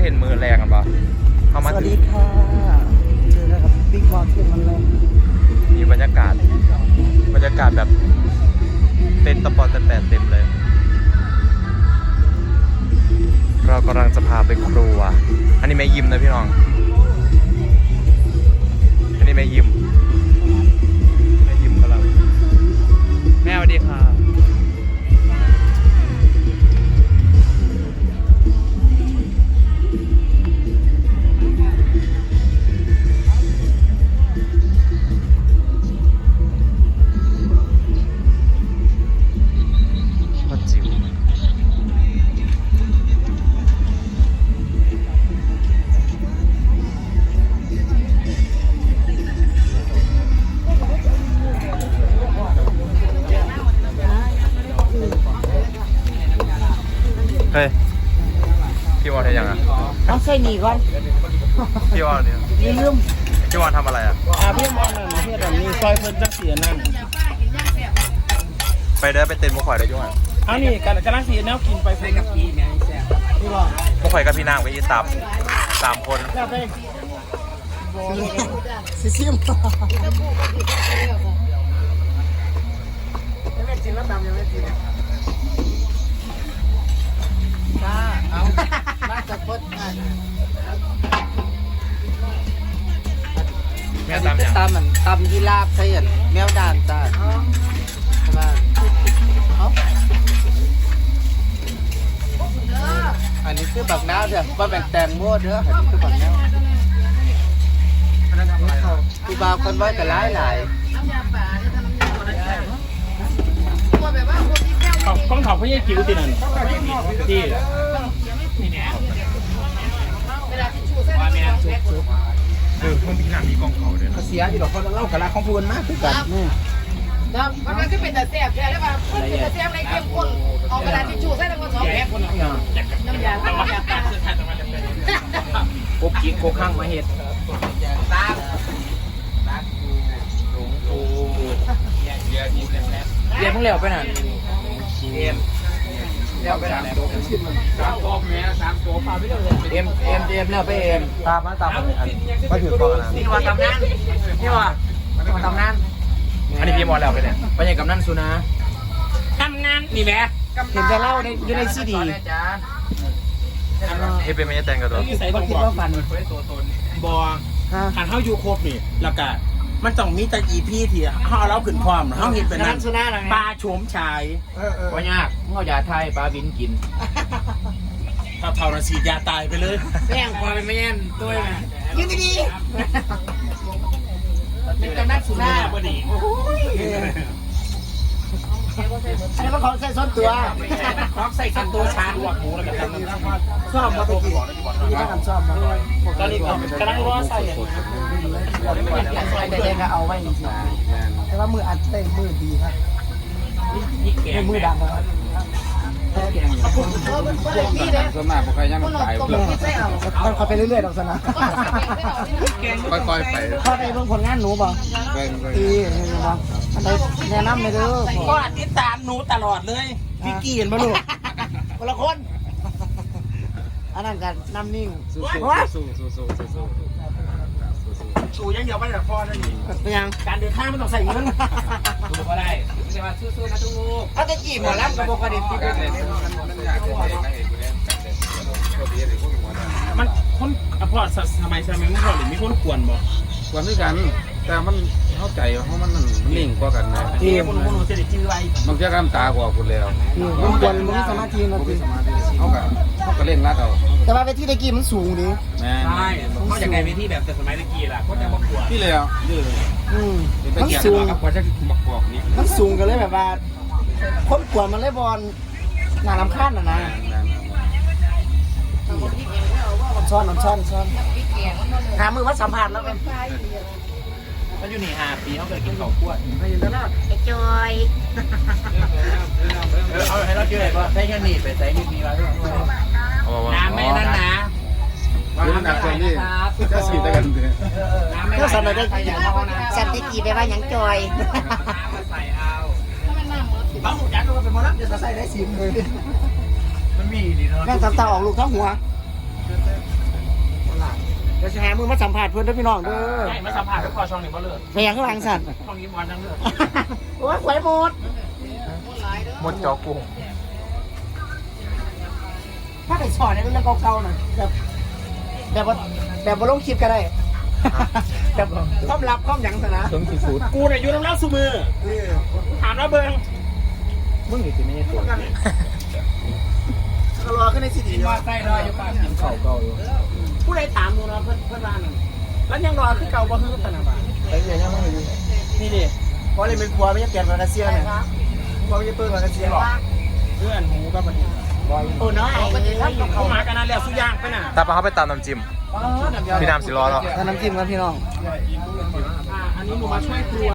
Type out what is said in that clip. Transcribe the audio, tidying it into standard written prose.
เห็นมือแรงกันปะเข้ามาสวัสดีค่ะเจอแล้วกับบิ๊กบอลเป็นมันเลยมีบรรยากาศแบบเต็นตะปอนแต่เต็มเลย เรากำลังจะพาไปครัวอันนี้แม่ยิมนะพี่น้องอันนี้แม่ยิมกำลังแม่สวัสดีค่ะเฮ้ยพี่วอนทำยังอ่ะเอาใส่หนีก่อนพี่วอนเนี่ยลืมพี่วอนทำอะไรอ่ะพี่บอลนั่นเพื่อนมีซอยเพิ่นจักเสียนั่นไปเด้อไปเต้นมุกข่อยได้ยุ่งอ่ะเอานี่กำลังเสียแนวกินไปเพิ่นกับพี่แม่แซ่บพี่บอลมุกข่อยกับพี่นางไปยีตับ3 คนแล้วไปซิซิมยังไม่กินแล้วดำยังไม่กินเอาน่าจะพดแม่ตามยังตำมันตำยีราฟใช่ไหมแมวด่านจ้าอันนี้คือบักน้าวเด้อว่าแบ่งแตงโมเด้ออันนี้คือบักน้าวพี่บ่าวคนไว้แต่หลายกล้องถอดพี่ยี่จิ๋วตินั่นที่มึงพี่นางมีกองเขาด้วยนะเสียที่ดอกเขาเล่ากับรักของพูนมากคือกันแล้วมันก็เป็นแต่แซ่บใช่แล้วว่ามันเป็นแต่แซ่บในเข้มข้นเอากระดาษทิชชู่ใส่แล้วก็สองแพ็คน้ำยาล้างยาตากบกินโคข้างมาเห็ดตาเรียนมึงเลี้ยวไปไหนเอ็มเลี้ยวไปไหน3 ตัวแม่3 ตัวพาไปเรื่อยเอ็มเลี้ยวไปเอ็มตามอันมาถือกล้องนะนี่ว่าตำนานนี่ว่าตำนานอันนี้พี่มอนแล้วไปเนี่ยไปยังกับนั่นสุนะตำนานนี่แม่เห็นจะเล่าในอยู่ในซีดีเฮ้เป็นไม่ใช่แตงกันตัวใส่ต้องคิดว่าฟันบอหันเข้ายูโคบนี่แล้วก็มันต้องมีแต่อีพี่ที่เขาเอาเราขึ้นพร้อมเขาเห็นเป็นนั่นปลาโฉมชายว่ายากเงายาไทยปลาบินกินถ้าเท่านั้นฉีดยาตายไปเลยแป้งพอเป็นไม่แย่นตัวแม่ยืนดีๆเป็นกำนักสุนัขพอดีอันนี้มันของใส่ส้นตัวของใส่ส้นตัวชาหัวหมูแล้วกันชอบมาตะกี้ที่ทำชอบมาตอนนี้กำลังรอใส่แต่เด็กก็เอาไว้จริงๆแต่ว่ามืออัดเต้มือดีครับนี่มือดำครับส่วนมากพวกใครยังไม่ตายเลยมันคอยไปเรื่อยๆดอกสนะค่อยๆไปเข้าไปเบิ่งผลงานหนูบ่ไปดีเห็นบ่อันใดแนะนำเลยเด้อก็ติดตามหนูตลอดเลยพี่กี้เห็นป่ะลูกคนละคนอันนั้นกันน้ำนิ่งสู้ชูยังเดียวไม่ได้พอนั่นนี่เป็นยังการเดินทางมันต้องใส่เงินดูก็ได้ไม่ใช่ว่าสู้ๆนะทุกถ้าจะจีบหมอแล้วกับโบกระดิ่งที่มันคนพอสมัยมันพอหรือมีคนกวนบ่กวนด้วยกันแต่มันเข้าใจเพราะมันนิ่งกว่ากันนะที่คนหนูจะได้จื้อไว้มันจะกำตากว่าคุณแล้วมันกวนมันมีสมาธินะพี่เขาก็เล่นรัดเอาแต่ว่าเวทีตะกี้มันสูงดิแม่ใช่เขาอยากได้ไปที่แบบแต่สมัยตะกี้ล่ะเขาจะมากวนที่แล้วยืดมันสูงกับกว่าจะบักบอกนี้มันสูงกันเลยแบบว่าคนกวนมันเลยบอลหนาลำคาญนะช้อนหามือมาสัมผัสแล้วกันเขาอยู่นี่5 ปีเขาเคยกินข้าวคั่วมาอยู่ตลอดไอ้จอยเอาให้เราเจอว่าได้แค่นี้ไปใส่นี่มีไว้น้ำไม่นั่นนะคือหนักกว่านี้ก็สีตะกันเลยน้ำไม่ก็สมัยได้สันติกีไปว่าหยังจอยใส่เอาบางหมูจันทร์เป็นมอนักจะใส่ได้10มันมีดีเนาะแม่งตาออกลูกทั้งหัวเดี๋ยวจะหามือมาสัมผัสเพื่อนด้วยพี่น้องเด้อใช่มาสัมผัสกับพอช่องนี้บ่เลิกแม่ข้างหลังสั่นช่องนี้วันทั้งเลิกโอ้ยหวยหมดหมดจอกุ้งถ้าไปสอนในเรื่องเก่าๆหน่อยแบบว่าลงคลิปก็ได้แบบความลับความหยังซะนะเครื่องซีฟู้ดกูเนี่ยอยู่น้ำเล่าสูมือถามแล้วเบิ้งมึงอยู่ที่ไม่ใช่ตัวก็รอขึ้นในซีดีกินมาใส่รออยู่ป่ะกินเข่าเก่าอยู่ผู้ใดถามดูนะเพื่อนบ้านนั่นแล้วยังรอคือเก่าบ่คือขนาดนั้นไอ้เนี่ยยังไม่รู้นี่ดิเพราะเลยเป็นครัวไม่ใช่เปลี่ยนมากระเซียเนี่ยครัวไม่ใช่เปิดมากระเซียหรอกเพื่อนหูก็มันโอ้น้อยเขาหมากันนั่นแหละสุย่างไปน่ะตาปลาเขาไปตามน้ำจิ้มพี่น้ำสิรอแล้วน้ำจิ้มครับพี่น้องอันนี้หนูมาช่วยครัว